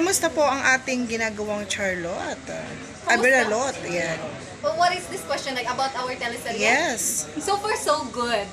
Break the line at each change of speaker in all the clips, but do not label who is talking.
Kumusta po ang ating ginagawang Charlotte? Beralot, yan.
Well, what is this question like about our teleserye?
Yes.
So far, so good.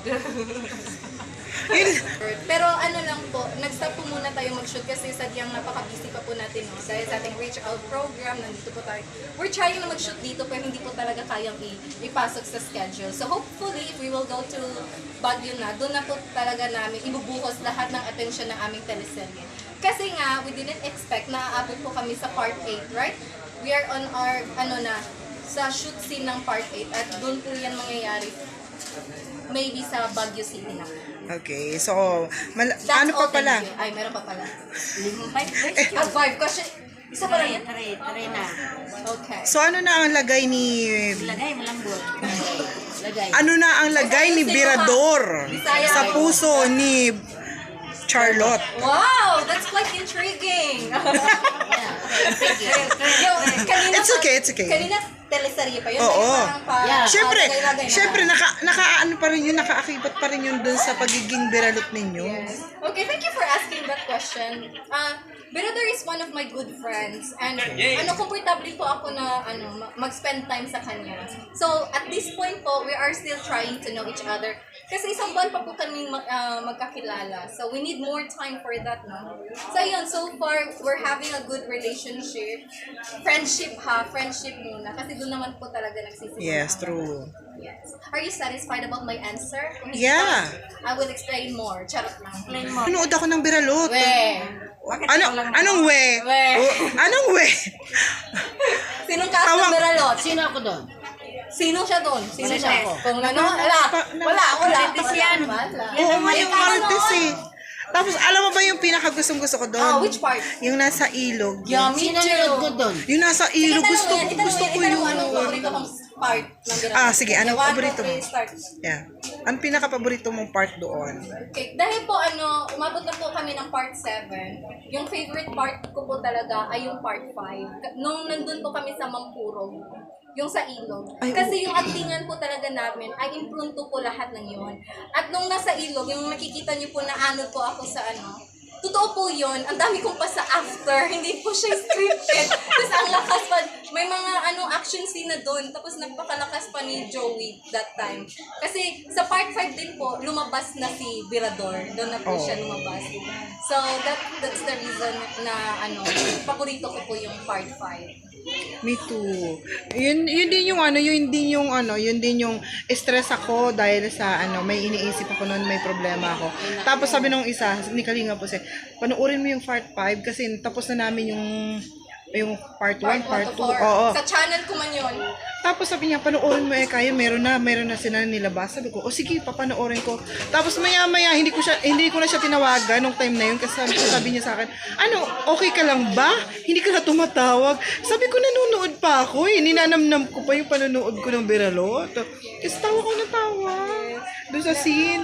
Pero ano lang po, nag-stop po muna tayo mag-shoot kasi sadyang napaka-busy pa po natin, no? Dahil sa ating reach out program, nandito po tayo. We're trying na mag-shoot dito pero hindi po talaga kayang ipasok sa schedule. So hopefully, if we will go to Baguio na, doon na po talaga namin ibubuhos lahat ng atensyon ng aming teleserye. Kasi nga, we didn't expect na aabot po kami sa part 8, right? We are on our, sa shoot scene ng part 8 at doon po yan mangyayari. Maybe sa Baguio City na.
Okay, so, ano pa pala?
Ay, meron pa pala. 5 question. Isa pa lang yan?
Tari na.
Okay.
So, ano na ang lagay ni...
Lagay, malambot. Lagay.
Ano na ang lagay ni Birador sa puso ni Charlotte?
Wow! That's quite intriguing!
It's okay, it's okay.
Kanina, teleserye pa yun.
Oo.
Yeah.
Syempre, naka-ano pa rin yun, nakaakibat pa rin yun dun sa pagiging Biralot ninyo.
Yes. Okay, thank you for asking that question. Birador is one of my good friends and comfortable po ako na mag-spend time sa kanya. So, at this point po, we are still trying to know each other. Kasi isang buwan pa po kami magkakilala. So, we need more time for that, no? So, yun, so far, we're having a good relationship. Friendship muna. Kasi doon naman po talaga nagsisimula.
Yes, true.
Yes. Are you satisfied about my answer?
Yeah.
I will explain more. Charot lang. Explain more.
Nanood ako ng Biralot. Anong we?
We.
Anong we?
Sinong cast ng Biralot?
Sino ako doon?
Sino siya doon? Sino
Marites.
siya? Kung ano? Wala.
Marites yan.
Oo nga yung Marites eh. Tapos, alam mo ba yung pinakagustong-gusto ko doon?
Which part?
Yung nasa ilog.
Yeah, me
Sino nanood ko
too.
doon?
Yung nasa ilog. Gusto ko yun.
Anong paborito mong part ng Biralot?
Sige. Anong
One,
paborito
two,
mo?
three, start.
Yeah. Ang pinaka-paborito mong part doon?
Okay, dahil po umabot na po kami ng part 7. Yung favorite part ko po talaga ay yung part 5. Nung nandun po kami sa Mampurog, yung sa ilog. Kasi yung actingan po talaga namin ay imprunto po lahat ng yun. At nung nasa ilog, yung makikita niyo po na po ako sa totoo po yun. Ang dami kong pa sa after. Hindi po siya scripted. Tapos ang lakas pa. May mga action scene na doon. Tapos nagpakalakas pa ni Joey that time. Kasi sa part 5 din po, lumabas na si Birador. Doon na po siya lumabas. So that's the reason na paborito ko po yung part 5.
Me too. Yun din yung stress ako dahil sa may iniisip ako noon, may problema ako. Tapos sabi nung isa, ni Kalinga po siya, panoorin mo yung part 5 kasi tapos na namin yung part 1, part 2. Oo.
Sa channel ko man yun.
Tapos sabi niya, panoorin mo kaya meron na sila nilabas. Sabi ko, sige, papanoorin ko. Tapos maya-maya, hindi ko na siya tinawagan nung time na yun kasi sabi niya sa akin, okay ka lang ba? Hindi ka na tumatawag. Sabi ko, nanonood pa ako eh. Ninanamnam ko pa yung panonood ko ng Biralot. Kasi tawa ko na tawa. Doon sa scene.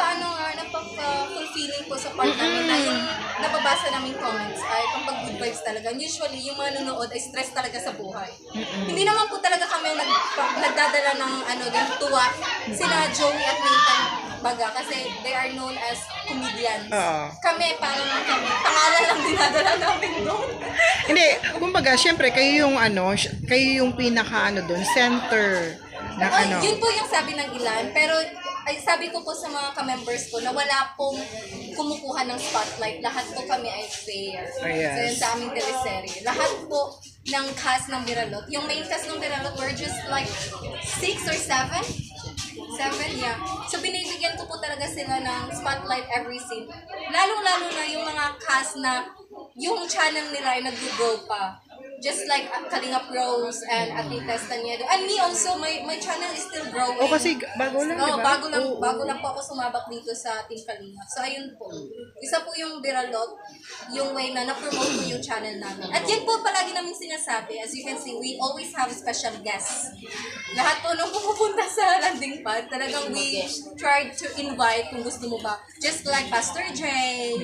Napaka-fulfilling po sa part namin na yung nababasa namin comments ay pang good vibes talaga. Usually, yung mga nanonood ay stress talaga sa buhay. Hindi naman po talaga kami nagdadala ng tuwa. Sila Joey at Nathan Baga kasi they are known as comedians. Kami, parang pangalan lang dinadala namin doon.
Hindi, kumbaga, syempre, kayo yung pinaka doon, center.
Yun po yung sabi ng ilan. Pero sabi ko po sa mga ka-members ko na wala pong kumukuha ng spotlight. Lahat po kami ay fair. So yun sa aming teleserye. Lahat po ng cast ng Biralot. Yung main cast ng Biralot were just like 6 or 7. 7, yeah. So binibigyan ko po talaga sila ng spotlight every scene. Lalong-lalo na yung mga cast na yung channel nila ay nag-grow pa. Just like Kalingap Rose and Ate Testaniedo. And me also, my channel is still growing.
Kasi bago lang, diba?
Bago lang po ako sumabak dito sa Team Kalingap. So, ayun po. Isa po yung Biralot, yung way na na-promote ko yung channel namin. At yan po palagi namin sinasabi. As you can see, we always have special guests. Lahat po nung pumupunta sa landing pad, talagang we tried to invite kung gusto mo ba. Just like Pastor Jay,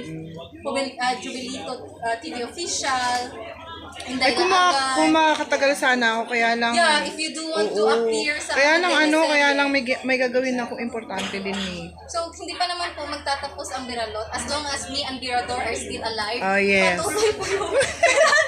Jubilito TV Official,
kung makakatagal sana ako, kaya lang...
Yeah, if you do want to appear sa...
Kaya lang may gagawin ako importante din eh.
So, hindi pa naman po magtatapos ang Biralot. As long as me and Birador are still alive,
Yes.
patuloy po yung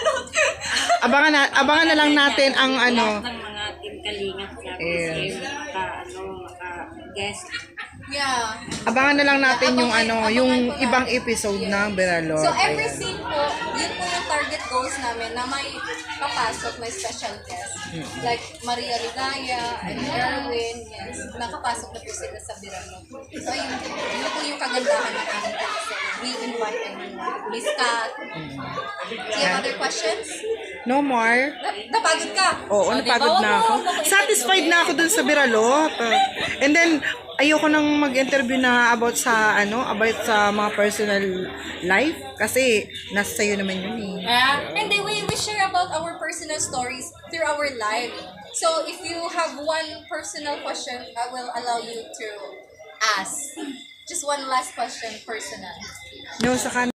abangan na lang natin ang ano.
Lahat ng mga team kalingap sa
Yes.
guest.
Yeah.
Abangan na lang natin yung
Abangan
yung
ko na.
ibang episode ng Beralor.
So every
Ayan.
scene po, yun po yung target goals namin na may papasok, may special guest. Like Maria Ligaya, and Erwin, yes. Nakapasok na po sila sa Birano. So yun po yung kagandahan ng aming episode. We invite everyone. Miss Kat. Do you have other questions?
No more.
Napagod ka?
Oo,
O,
napagod
di ba?
na ako.
Wag mo
Satisfied na ako dun sa Biralot. And then, ayoko nang mag-interview na about sa mga personal life kasi nasa sa'yo naman yun eh.
And then we share about our personal stories through our life. So if you have one personal question, I will allow you to ask. Just one last question, personal.
No, sa